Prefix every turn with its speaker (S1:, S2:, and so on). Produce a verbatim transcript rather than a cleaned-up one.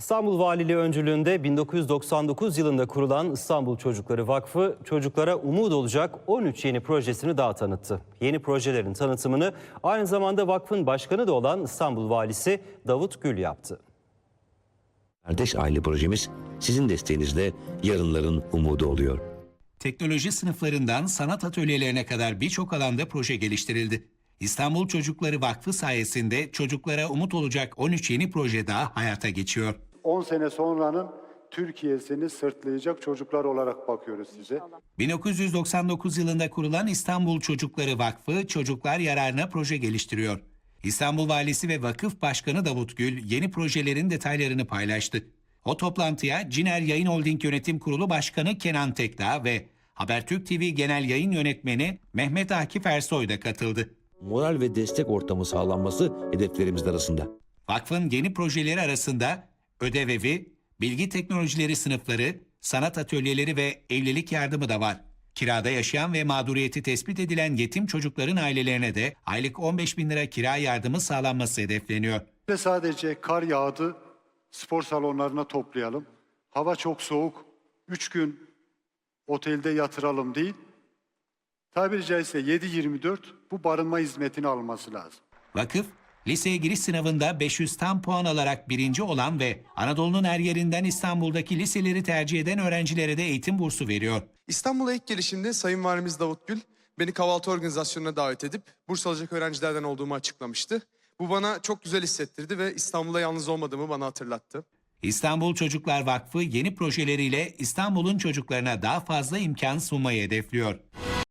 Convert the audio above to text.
S1: İstanbul Valiliği öncülüğünde bin dokuz yüz doksan dokuz yılında kurulan İstanbul Çocukları Vakfı, çocuklara umut olacak on üç yeni projesini daha tanıttı. Yeni projelerin tanıtımını aynı zamanda vakfın başkanı da olan İstanbul Valisi Davut Gül yaptı.
S2: Kardeş Aile projemiz sizin desteğinizle yarınların umudu oluyor.
S3: Teknoloji sınıflarından sanat atölyelerine kadar birçok alanda proje geliştirildi. İstanbul Çocukları Vakfı sayesinde çocuklara umut olacak on üç yeni proje daha hayata geçiyor.
S4: on sene sonranın Türkiye'sini sırtlayacak çocuklar olarak bakıyoruz size.
S3: bin dokuz yüz doksan dokuz yılında kurulan İstanbul Çocukları Vakfı çocuklar yararına proje geliştiriyor. İstanbul Valisi ve Vakıf Başkanı Davut Gül yeni projelerin detaylarını paylaştı. O toplantıya Ciner Yayın Holding Yönetim Kurulu Başkanı Kenan Tekdağ ve Habertürk T V Genel Yayın Yönetmeni Mehmet Akif Ersoy da katıldı.
S2: Moral ve destek ortamı sağlanması hedeflerimiz arasında.
S3: Vakfın yeni projeleri arasında ödev evi, bilgi teknolojileri sınıfları, sanat atölyeleri ve evlilik yardımı da var. Kirada yaşayan ve mağduriyeti tespit edilen yetim çocukların ailelerine de aylık on beş bin lira kira yardımı sağlanması hedefleniyor.
S4: Ve sadece kar yağdı, spor salonlarına toplayalım. Hava çok soğuk, üç gün otelde yatıralım değil. Tabiri caizse yedi yirmi dört bu barınma hizmetini alması lazım.
S3: Vakıf, liseye giriş sınavında beş yüz tam puan alarak birinci olan ve Anadolu'nun her yerinden İstanbul'daki liseleri tercih eden öğrencilere de eğitim bursu veriyor.
S5: İstanbul'a ilk gelişimde Sayın Valimiz Davut Gül beni kahvaltı organizasyonuna davet edip burs alacak öğrencilerden olduğumu açıklamıştı. Bu bana çok güzel hissettirdi ve İstanbul'da yalnız olmadığımı bana hatırlattı.
S3: İstanbul Çocuklar Vakfı yeni projeleriyle İstanbul'un çocuklarına daha fazla imkan sunmayı hedefliyor.